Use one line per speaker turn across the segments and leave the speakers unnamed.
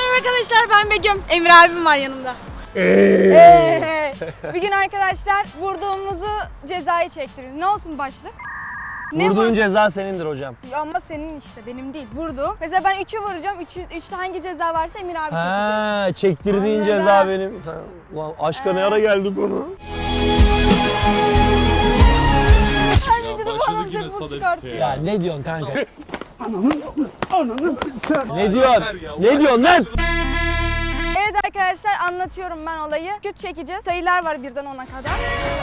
Merhaba arkadaşlar, ben Begüm. Emir abim var yanımda. Bir gün arkadaşlar vurduğumuzu cezayı çektiriyoruz. Ne olsun başlık?
Vurduğun ceza senindir hocam.
Ama senin işte, benim değil. Vurdu. Mesela ben 3'ü vuracağım. 3'te hangi ceza varsa Emir abi çekecek.
Ha, çektirdiğin
Anladım.
ceza benim. Ulan aşka ne ara geldik onu?
Sen videoda bana bir şey bul çıkartıyor.
Ya ne diyorsun kanka? Ne diyorsun? Ne diyorsun lan?
Evet arkadaşlar, anlatıyorum ben olayı. Şut çekeceğiz. Sayılar var 1'den 10'a kadar.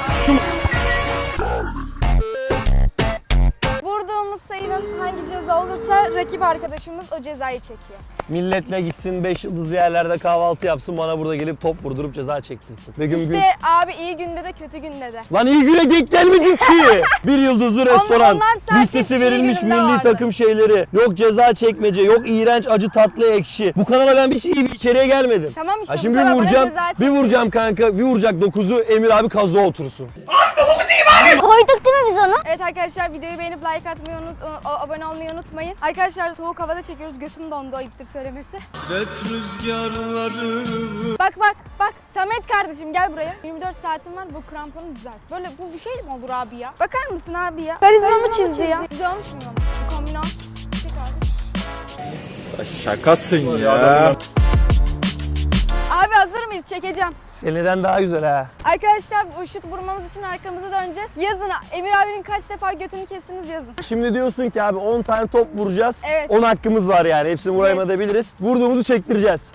Vurduğumuz sayının hangi ceza olursa rakip arkadaşımız o cezayı çekiyor.
Milletle gitsin 5 yıldızlı yerlerde kahvaltı yapsın, bana burada gelip top vurdurup ceza çektirsin. Begüm
İşte
gün...
abi iyi günde de kötü günde de.
Lan iyi güne denk gelmedik ki. Bir yıldızlı restoran,
onlar sadece
listesi
iyi
verilmiş
gününde
milli
vardı.
takım şeyleri, yok ceza çekmece, yok iğrenç acı tatlı ekşi. Bu kanala ben hiç iyi bir içeriğe gelmedim.
Tamam işte,
Ha
bu
şimdi bir
sefer bana
vuracağım,
ceza
bir
çekti.
vuracağım kanka, bir vuracak 9'u Emir abi kaza otursun.
Koyduk değil mi biz onu?
Evet arkadaşlar, videoyu beğenip like atmayı abone olmayı unutmayın. Arkadaşlar soğuk havada çekiyoruz, götüm dondu, ayıptır söylemesi. Bak Samet kardeşim gel buraya. 24 saatim var, bu kramponu düzelt. Böyle bu bir şey mi olur abi ya? Bakar mısın abi ya? Karizmamı çizdi ya. Güzel olmuş mu? Bu kombino. Çek abi.
Şakasın ya.
Abi hazır mıyız? Çekeceğim.
Seneden daha güzel ha.
Arkadaşlar bu şut vurmamız için arkamızı döneceğiz. Yazın, Emir abinin kaç defa götünü kestiniz yazın.
Şimdi diyorsun ki abi 10 tane top vuracağız.
Evet.
10 hakkımız var yani. Hepsini vuramayabiliriz. Vurduğumuzu çektireceğiz.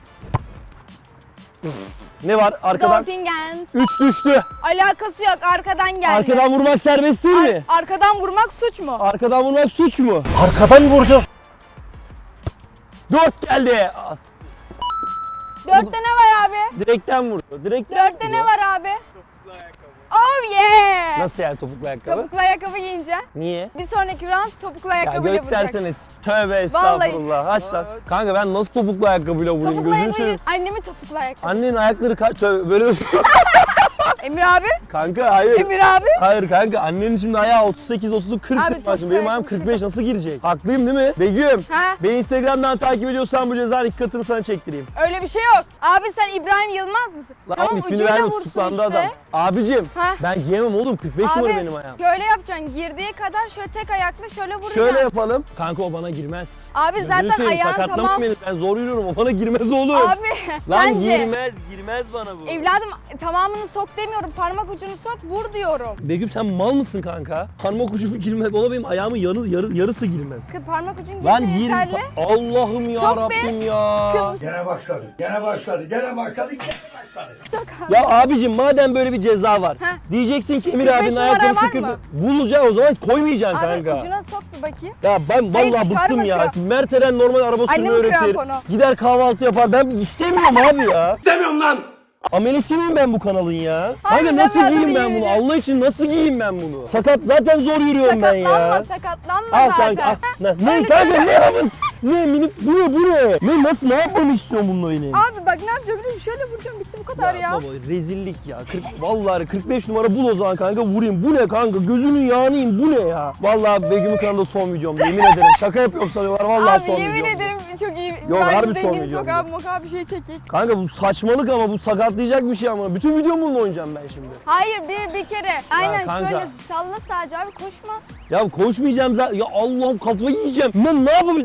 Ne var arkadan?
Zontingen.
3 düştü.
Alakası yok, arkadan geldi.
Arkadan vurmak serbest değil mi?
Arkadan vurmak suç mu?
Arkadan vurmak suç mu?
Arkadan vurdu.
4 geldi.
4'te ne var abi?
Direkten vurdu. Direkten
4'te
vurdu.
ne var abi? Oh yeah!
Nasıl yani topuklu ayakkabı?
Topuklu ayakkabı giyince.
Niye?
Bir sonraki round topuklu
Ya
ayakkabıyla vuracak.
gösterseniz. Tövbe estağfurullah. Aç lan. Kanka ben nasıl topuklu ayakkabıyla vurayım
Topuklu
gözünü
ayakkabı.
seveyim.
Annemin topuklu ayakkabı.
Annenin ayakları kaç? Tövbe böyle
Emir abi.
Kanka hayır.
Emir abi.
Hayır kanka annenin şimdi ayağı 38, 30, 40
Abi,
tutmaz.
çok
Benim ayağım
ayakkabı
45 nasıl girecek? Haklıyım değil mi? Begüm.
Ha?
Beni Instagram'dan takip ediyorsan bu cezanın 2 katını sana çektireyim.
Öyle bir şey yok. Abi sen İbrahim Yılmaz mısın?
Lan
tamam,
oğlum ismini
ucuyla
verme
vursun
tutuklandı
işte.
adam. Abicim
Ha?
ben giyemem oğlum 45 numara
Abi
benim ayağım.
şöyle yapacaksın. Girdiği kadar şöyle tek ayakla şöyle vuracaksın.
Şöyle yapalım. Kanka o bana girmez.
Abi
Gözünü
zaten
seveyim,
ayağın
sakatlama
tamam.
beni. Ben zor yürüyorum. O bana girmez oğlum.
Abi
Lan
sence.
girmez bana bu.
Evladım tamamını sok demiyorum. Parmak ucunu sok, vur diyorum.
Begüm sen mal mısın kanka? Parmak ucumu girmez. Valla benim ayağımın yarısı girmez.
Kız parmak ucun
Lan
girse
girme.
yeterli.
Allah'ım ya
Sok be.
Rabbim ya.
Gene başladı.
Sok abi.
Ya abicim madem böyle bir ceza var.
Heh.
Diyeceksin ki Emir
45
abinin
numara
ayakkabısı
var
40.
mı?
Bulacak o zaman koymayacaksın
Abi
kanka.
ucuna sok bir bakayım.
Ya ben
Hayır,
vallahi
çıkarma
bıktım ya.
kramponu.
Mert Eren normal araba sürmeyi
Annemin
öğretir.
kramponu.
Gider kahvaltı yapar. Ben istemiyorum abi ya.
İstemiyorum lan.
Amelesi miyim ben bu kanalın ya?
Hayır,
Kanka nasıl
deme,
giyeyim
dur,
ben bunu?
yürü.
Allah için nasıl giyeyim ben bunu? Sakat zaten zor yürüyorum ben ya.
Sakatlanma
Al
zaten.
kanka al. Ne
Öyle
kanka
söyle.
ne yapın? Ne minik bu ne? Ne nasıl ne yapmamı istiyorsun bununla benim?
Abi bak ne yapacağım biliyor musun? Şöyle vuracağım, bitti bu kadar ya.
Baba rezillik ya. Vallahi 45 numara bul o zaman kanka vurayım. Bu ne kanka? Gözünün yağını yiyeyim. Bu ne ya? Vallahi Begüm'ün kanalında son videom. Yemin ederim. Şaka yapıyorum sanıyorlar. Vallahi
Abi
son videom.
yemin ederim çok iyi.
Yok,
Bence
harbi son
zengin
videom
sokağa
bu.
mokağa bir şey çekik.
Kanka bu saçmalık ama bu sakatlayacak bir şey ama. Bütün videomu bununla oynayacağım ben şimdi.
Hayır bir kere. Aynen
kanka.
şöyle salla sadece abi, koşma.
Ya koşmayacağım zaten. Ya Allah'ım kafayı yiyeceğim. Ben ne yapayım?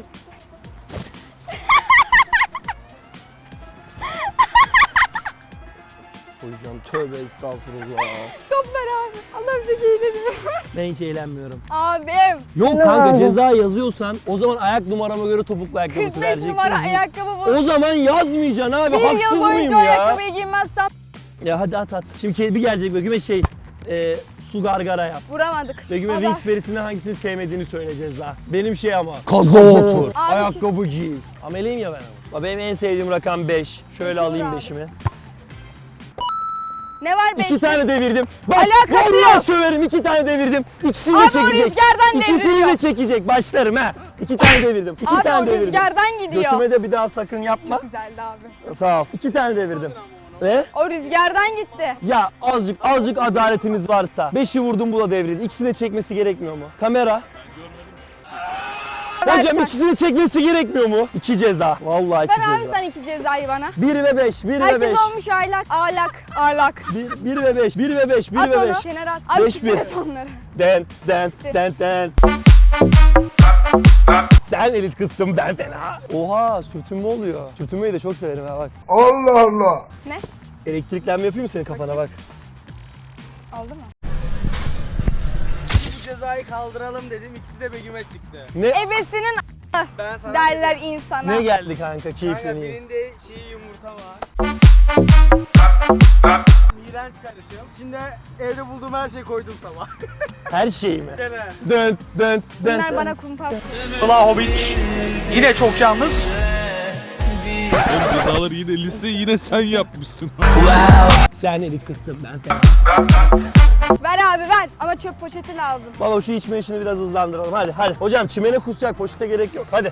Hocam tövbe estağfurullah.
Top ver abi. Allah'ım çok eğleniyor.
Ben hiç eğlenmiyorum.
Abim.
Yok kanka ceza yazıyorsan o zaman ayak numarama göre topuklu ayakkabısı
45
vereceksin.
numara ayakkabı bu.
O zaman yazmayacaksın abi.
Bir
Haksız
yıl
mıyım
boyunca o
ya?
ayakkabıyı giymezsem
Ya hadi at. Şimdi bir gelecek Begüm'e su gargara yap.
vuramadık.
Begüm'e
Allah.
Wings perisinden hangisini sevmediğini söyle ceza. Benim şey ama. Kaza otur.
Abi
Ayakkabı giy. Ameliyim ya ben ama. Benim en sevdiğim rakam 5. Şöyle
Olur
alayım
abi.
5'imi.
Ne var 5?
2 tane devirdim. Bak
Alakası
vallahi
yok.
söverim 2 tane devirdim. İkisini de
Abi o
çekecek.
rüzgardan
İkisini
devriliyor.
de çekecek. Başlarım ha. 2 tane devirdim. 2
Abi
tane
o
devirdim.
rüzgardan gidiyor.
Götüme de bir daha sakın yapma.
Güzeldi abi.
Sağ ol. 2 tane devirdim. Ve
O rüzgardan gitti.
ya azıcık adaletiniz varsa 5'i vurdum bu da devrildi. İkisini de çekmesi gerekmiyor mu? Kamera. Hocam
versen.
ikisini çekmesi gerekmiyor mu? 2 ceza. Vallahi 2
Ver
ceza.
abi sen 2 cezayı bana.
1 ve 5, 1 ve 5.
Herkes olmuş aylak. Ağlak.
1 ve 5, 1 ve 5, 1
At
ve 5.
onu. Kenara at. Abi
5-1.
siktir et onları.
Den. Sen elit kızsın ben fena. Oha sürtünme oluyor. Sürtünmeyi de çok severim ha bak.
Allah Allah.
Ne?
Elektriklenme yapayım mı senin kafana bak.
Oldu mu?
Bu cezayı kaldıralım dedim. İkisi de Begüm'e çıktı.
Ne
Ebesinin
Ben sana
derler insana.
ne geldi kanka
Kanka
keyifleneyim.
birinde çiğ yumurta var. İğrenç karışım. İçinde evde bulduğum her şeyi koydum sabah.
Her şey mi?
Gene.
Dön.
Bunlar bana kumpas.
Vlahovic yine çok yalnız.
Cezaları yine listeyi yine sen yapmışsın.
Sen elit kızsın ben fena.
Ver abi ver. Ama çöp poşeti lazım.
Baba şu içme işini biraz hızlandıralım hadi. Hocam çimene kusacak poşete gerek yok hadi.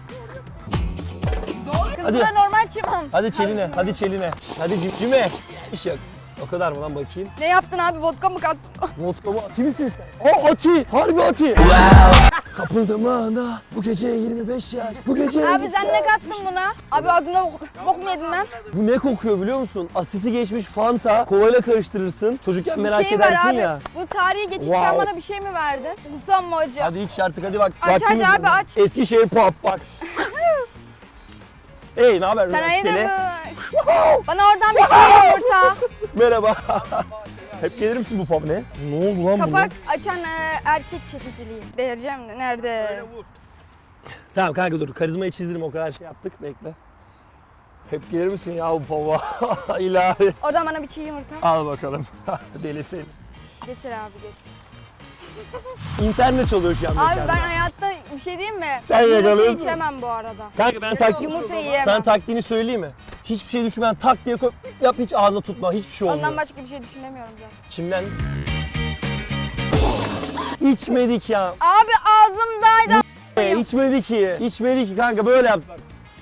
Kız
Hadi.
bura normal çimen.
Hadi çeline. Hadi cimcime. İş yok. O kadar mı lan bakayım?
Ne yaptın abi? Vodka mı kattın?
Vodka mı? Ati misin sen? Aa Ati! Harbi Ati! Kapıldım ana. Bu gece 25 yaş. Bu gece
Abi
50
sen ne kattın buna? Abi ağzına bok mu yedin lan?
Bu ne kokuyor biliyor musun? Asiti geçmiş Fanta. Kovayla karıştırırsın. Çocukken
Bir
merak
şey ver
edersin
abi.
ya.
Bu tarihi geçip
Wow.
sen bana bir şey mi verdin? Kusam mı hocam?
Hadi iç artık hadi bak.
Aç,
Vaktimiz
aç abi,
var.
aç.
Eskişehir pop bak. Hey ne haber
Sen hayırdır
üniversiteli?
Bana oradan bir şey yumurta.
Merhaba. Hep gelir misin bu pub ne? Ne oldu lan bu?
Kapak açan erkek çekiciliği. Değereceğim de nerede?
Böyle vur.
Tamam kanka dur karizmayı çizdirim o kadar şey yaptık bekle. Hep gelir misin ya bu pub'a? İlahi.
Oradan bana bir çiğ yumurta.
Al bakalım. Delisin.
Getir abi getir.
İnternet çalıyor şu an
Abi
mekanda.
ben hayatta bir şey diyeyim mi?
Sen
Yumurta
yakalıyorsun.
içemem bu arada.
Kanka ben tak...
Yumurta yiyemem.
Sana taktiğini söyleyeyim mi? Hiçbir şey düşünmeden tak diye koy, yap hiç ağzına tutma hiçbir şey olmuyor.
Ondan başka bir şey düşünemiyorum zaten.
Şimdiden... İçmedik ya.
Abi ağzımdaydı.
İçmedi ki kanka böyle yaptı.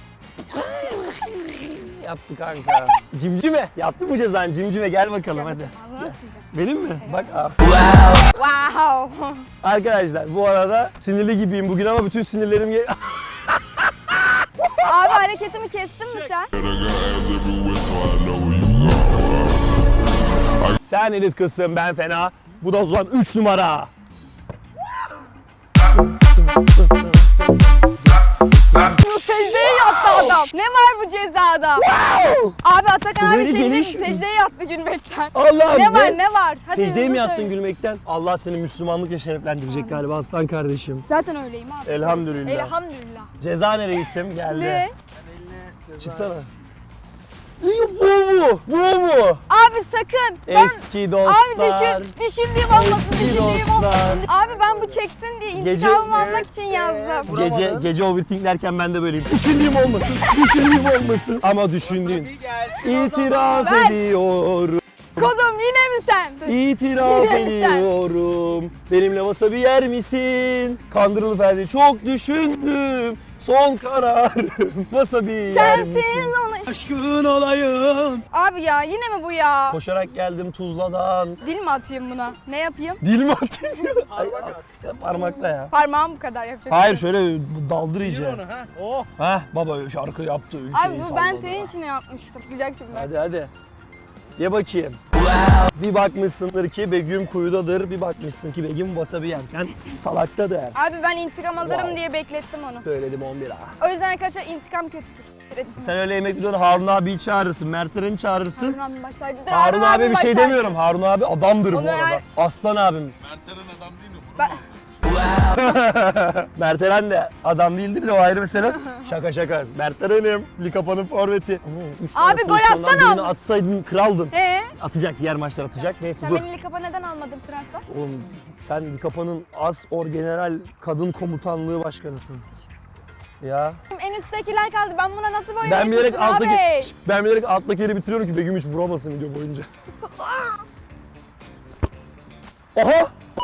Yaptı kanka. Cimcime. Yaptı mı cezanı cimcime gel bakalım hadi.
Ağzına sıçacağım.
Benim mi? Bak aa.
Wow.
Arkadaşlar bu arada sinirli gibiyim bugün ama bütün sinirlerim...
Abi hareketimi kestin mi sen?
Sen elit kızsın ben fena. Bu da o zaman 3 numara.
Bu secdeye yattı adam. Ne var bu cezada? Abi Atakan abi
Böyle
çekecek
geniş-
secdeye yattı gülmekten.
Allah'ım
Ne var ne var? Hadi
Secdeye
hızlı
mi yattın
söyle.
gülmekten? Allah seni Müslümanlıkla şereflendirecek galiba aslan kardeşim.
Zaten öyleyim abi.
Elhamdülillah.
Elhamdülillah.
Cezane reisim geldi.
Ne?
Çıksana. İyi bu mu? Bu mu?
Abi sakın.
Eski dostlar.
Abi düşündüğüm olmasın,
Eski
düşündüğüm olmasın.
dostlar.
Abi ben bu çeksin diye
Gece-
intikamımı almak için yazdım.
Gece overthink derken ben de böyleyim. Düşündüğüm olmasın. Ama düşündüğün.
Bir gelsin.
İtiraf
Ver.
ediyorum.
Kodum yine mi sen?
İtiraf
Yine mi sen?
ediyorum. Benimle wasabi yer misin? Kandırılıp verdi. Çok düşündüm. Son kararım. Wasabi yer misin?
Sensiz onu.
Aşkın olayım.
Abi ya yine mi bu ya?
Koşarak geldim Tuzla'dan.
Dil mi atayım buna? Ne yapayım?
Dil mi atayım? Ya parmakla ya.
Parmağım bu kadar yapacak.
Hayır şöyle daldır
Yürü
iyice.
onu ha. Oh.
Hah baba şarkı yaptı. Ülkeyi
Abi bu ben
salladı.
senin için yapmıştım. Güzel şimdi.
Hadi. Ye bakayım. Bir bakmışsındır ki Begüm kuyudadır. Bir bakmışsın ki Begüm wasabi yerken salaktadır.
Abi ben intikam alırım
Wow.
diye beklettim onu.
Söyledim 11 ha.
O yüzden arkadaşlar intikam kötüdür.
Sen öyle yemek videoda Harun abiyi çağırırsın, Mert Eren'i çağırırsın.
Harun abim baş tacıdır.
Harun abi
abim
bir
baş
şey
tacı.
demiyorum. Harun abi adamdır bu
Onu
arada.
eğer-
Aslan abim.
Mertelen adam değil mi?
Ben-
Mert Eren de adam değildir de o ayrı mesele. Şaka. Mert Eren'im. Likapa'nın forveti. Üç tane
Abi gol
pozisyondan
atsana.
birini atsaydın kraldın. Atacak, diğer maçlar atacak. Neyse
Sen
dur.
beni Likap'a neden almadın transfer?
Oğlum sen Likapa'nın As Orgeneral Kadın Komutanlığı Başkanısın. Ya.
En üsttekiler kaldı. Ben buna nasıl boyun
Ben bilerek
yetiştim abi?
alttaki yeri bitiriyorum ki Begüm hiç vuramasın video boyunca. Aha!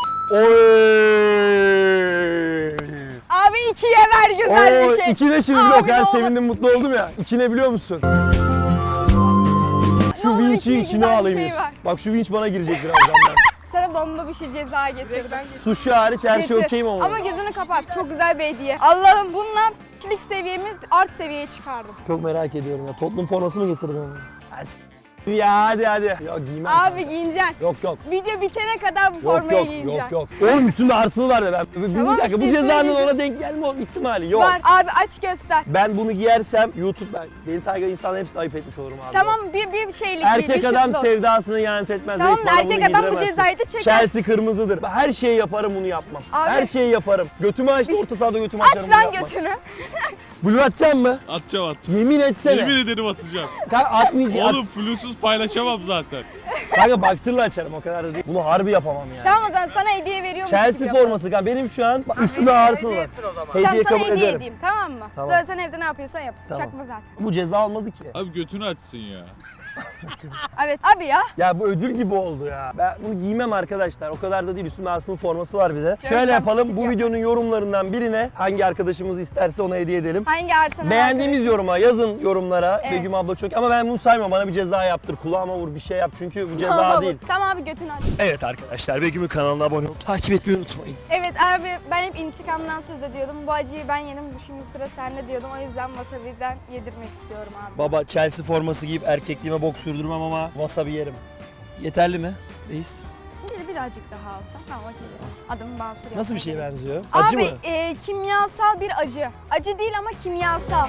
Oy!
Abi ikiye ver güzel bir şey.
İki ne şimdi
Abi
biliyor musun?
ne
Ben
olur.
sevindim mutlu oldum ya. İki ne biliyor musun? Şu
olur
vinçi
içine
içine
güzel bir
alayım.
şey ver.
Bak şu vinç bana girecek birazdan.
Sana bomba bir şey ceza getir.
Sushi hariç her şey
Getir.
okeyim ama.
Ama gözünü kapat. Çok güzel bir hediye. Allah'ım bununla kişilik seviyemiz art seviyeye çıkardım.
Çok merak ediyorum ya. Tottenham forması mı getirdin? Ya hadi. Ya giymem.
Abi giyineceksin.
Yok.
Video bitene kadar bu formayı giyeceksin.
Yok. Oğlum üstümde Arsenal var ya ben. Bir
Tamam
dakika
işte,
bu cezanın
üstüne
ona denk gelme ihtimali yok.
Var. Abi aç göster.
Ben bunu giyersem beni takip eden insanların hepsini ayıp etmiş olurum abi.
Tamam bir şeylik
Erkek
bir
adam
şut.
sevdasını ihanet etmez.
Tamam
Reis,
da
bana
erkek
bunu
adam bu
giydiremezsin.
cezayı da çeker.
Chelsea kırmızıdır. Her şeyi yaparım bunu yapmam.
Abi-
Her şeyi yaparım. Götümü açtı orta sahada götümü açarım.
Aç
bunu
lan
yapmam.
götünü.
Blue atacağım mı?
Atacağım.
Yemin etsene.
Yemin ederim atacağım.
Kanka atmayacağım.
Oğlum Bluetooth paylaşamam zaten.
Kanka boxer'la açarım o kadar da değil. Bunu harbi yapamam yani.
Tamam o zaman sana hediye veriyorum.
Chelsea forması kanka benim şu an üstümde Arsenal var.
Hediyesin o zaman.
Hediye
Tamam sana
kabul
hediye
ederim.
edeyim tamam mı?
Tamam.
Sonra sen evde ne yapıyorsan yap.
Tamam.
Çakma zaten.
Bu ceza almadı ki.
Abi götünü açsın ya.
Evet abi ya.
Ya bu ödül gibi oldu ya. Ben bunu giymem arkadaşlar. O kadar da değil. Üstümde Arsenal forması var bir de.
Sen
Şöyle yapalım.
pislik
Bu
yap.
videonun yorumlarından birine hangi arkadaşımız isterse ona hediye edelim.
Hangi Arsenal
Beğendiğimiz yoruma yazın yorumlara.
Evet.
Begüm abla çok ama ben bunu saymam. Bana bir ceza yaptır. Kulağıma vur bir şey yap. Çünkü bu ceza
Tamam,
değil.
Tamam abi götünü aç.
Evet arkadaşlar Begüm'ün kanalına abone olun. Takip etmeyi unutmayın.
Evet abi ben hep intikamdan söz ediyordum. Bu acıyı ben yedim şimdi sıra sende diyordum. O yüzden wasabi'den yedirmek istiyorum abi.
Baba Chelsea forması giyip erkekliğime bok sürdürmem ama wasabi yerim. Yeterli mi reis?
Birazcık daha alsam tamam acı biraz. Adımı Basur
Nasıl bir şeye
yapmaya
benziyor?
gerek.
Acı
Abi
mı?
kimyasal bir acı. Acı değil ama kimyasal.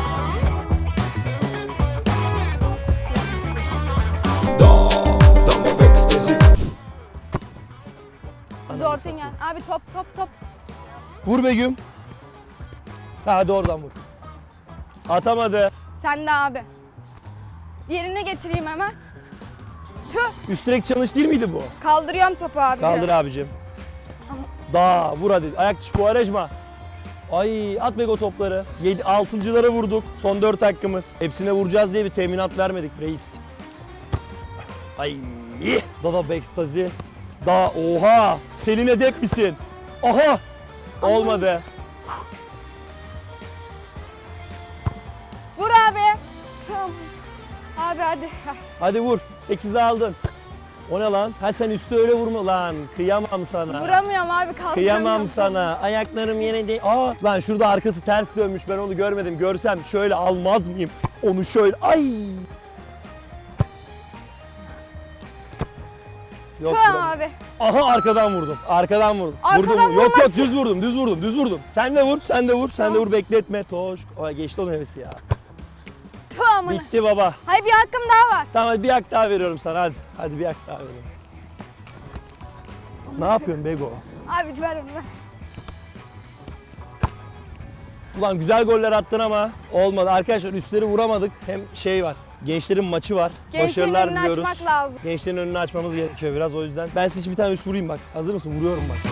Zortingen. Abi top.
Vur Begüm. Hadi oradan vur. Atamadı.
Sen de abi. Yerine getireyim hemen. Tüh.
Üst direk çalış değil miydi bu?
Kaldırıyorum topu abi.
Kaldır abicim. Daha vur hadi. Ayak dışı Kuvarejma. Ay at Bego topları. 6'lara vurduk. Son 4 hakkımız. Hepsine vuracağız diye bir teminat vermedik reis. Ay. Dada Bekstazi. Daha oha. Selin Edep misin? Aha. Olmadı.
Vur abi. Tamam. Abi hadi.
Hadi vur. 8'i aldın. O ne lan? Ha sen üstü öyle vurma lan. Kıyamam sana.
Vuramıyorum abi kaldıramıyorum.
Kıyamam sana. Ayaklarım yere değil. Aa lan şurada arkası ters dönmüş. Ben onu görmedim. Görsem şöyle almaz mıyım? Onu şöyle. Ay. Yok
Tamam
vuramam.
abi.
Aha arkadan vurdum. Arkadan vurdum.
Arkadan
vurdum. Yok
vurmazsın.
düz vurdum. Sen de vur. Sen de vur bekletme. Toş. Ay geçti onun hevesi ya.
Tüh amına.
Bitti baba.
Hayır bir hakkım daha var.
Tamam hadi bir hak daha veriyorum sana hadi. Hadi bir hak daha veriyorum. Ne yapıyorsun Bego?
Abi ver onu ver.
Ulan güzel goller attın ama olmadı. Arkadaşlar üstleri vuramadık. Hem şey var. Gençlerin maçı var.
Gençlerin
Başarılar
önünü
diliyoruz.
açmak lazım.
Gençlerin önünü açmamız gerekiyor biraz o yüzden. Ben size bir tane üst vurayım bak. Hazır mısın? Vuruyorum bak.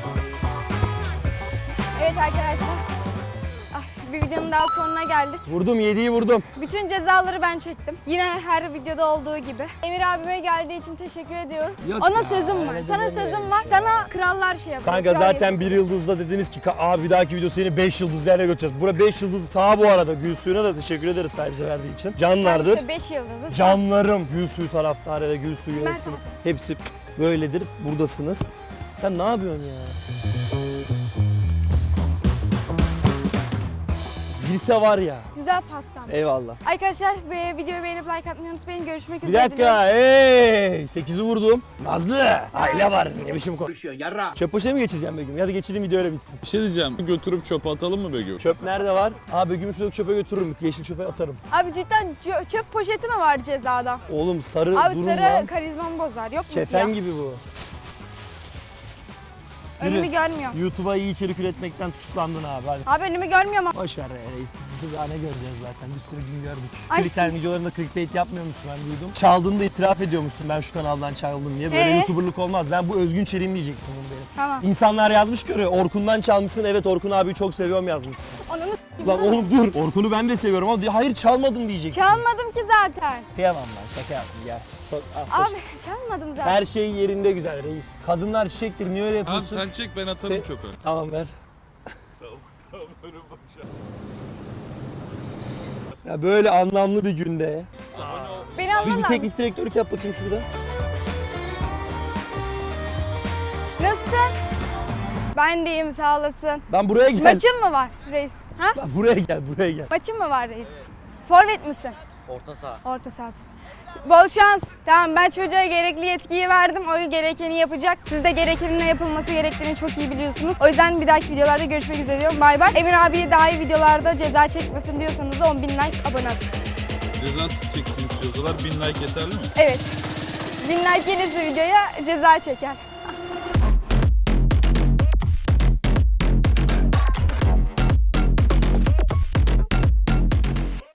Evet arkadaşlar. Bir videonun daha sonuna geldik.
Vurdum 7'yi vurdum.
Bütün cezaları ben çektim. Yine her videoda olduğu gibi. Emir abime geldiği için teşekkür ediyorum.
Yok
Ona
ya,
sözüm var.
öyle
Sana
demeyelim
sözüm var. Sana krallar şey yapıyor.
Kanka
kral
zaten
yapıyor.
bir yıldızda dediniz ki abi bir dahaki video seni 5 yıldızlı yerine götüreceğiz. Bura 5 yıldızlı sağ bu arada. Gülsü'ne de teşekkür ederiz sahibize verdiği için. Canlardır.
İşte 5 yıldızı.
Canlarım Gülsü taraftarı ve Gülsü
Mert
yönetimi.
abi.
Hepsi böyledir. Buradasınız. Sen ne yapıyorsun ya? Girse var ya.
Güzel pastam.
Eyvallah.
Arkadaşlar videoyu beğenip like atmayı unutmayın. Görüşmek
Bir
üzere. diliyorum.
dakika. Hey! 8'i vurdum. Nazlı. Aile var. Ne biçim konuşuyorsun yarra. Çöp poşeti mi geçireceğim Begüm? Hadi geçireyim video öyle bitsin.
Bir şey diyeceğim. Götürüp çöpe atalım mı Begüm?
Çöp nerede var? Aa Begüm'ü şuradaki çöpe götürürüm. Yeşil çöpe atarım.
Abi cidden çöp poşeti mi var cezada?
Oğlum sarı
Abi
durun
sarı
lan.
karizmamı bozar. Yok mu
Kefen
siyah?
gibi bu.
Önümü
Yürü.
görmüyorum.
YouTube'a iyi içerik üretmekten tutuklandın abi. Hadi.
Abi önümü görmüyorum.
Boş ver ya reis. Biz daha ne göreceğiz zaten. Bir sürü gün gördük.
Ay.
Sen videolarında clickbait yapmıyor musun ben duydum. Çaldığını da itiraf ediyor musun ben şu kanaldan çaldım diye. Böyle YouTuber'lık olmaz. Ben bu özgün çeliğim diyeceksin bunu benim.
Tamam.
İnsanlar yazmış görüyor. Orkun'dan çalmışsın. Evet Orkun abiyi çok seviyorum yazmışsın.
Onu
Lan oğlum dur. Orkun'u ben de seviyorum ama hayır çalmadım diyeceksin.
çalmadım ki zaten.
Kıyamam ben şaka yaptım gel. Ah,
Abi çalmadım zaten.
her şey yerinde güzel reis. Kadınlar çiçektir niye öyle
Tamam
yapıyorsun?
sen çek ben atarım
Sen-
çöpe.
Tamam ver.
Tamam önüm bakacağım.
Ya böyle anlamlı bir günde.
Beni
Biz bir
anlamam.
teknik direktörlük yap bakayım şurada.
Nasılsın? Ben de iyiyim sağ olasın.
Lan buraya gel.
Maçın mı var reis? Ha?
Lan buraya gel, buraya gel.
Maçın mı var reis? Forvet misin?
Orta saha.
Orta sahası. Bol şans. Tamam ben çocuğa gerekli yetkiyi verdim. O gerekeni yapacak. Siz de gerekenin ne yapılması gerektiğini çok iyi biliyorsunuz. O yüzden bir dahaki videolarda görüşmek üzere diyorum. Bay bay. Emir abiye daha iyi videolarda ceza çekmesin diyorsanız da 10.000 like abone atın.
Ceza çeksin istiyorsalar 1000 like yeterli mi?
Evet. 1000 like gelirse videoya ceza çeker.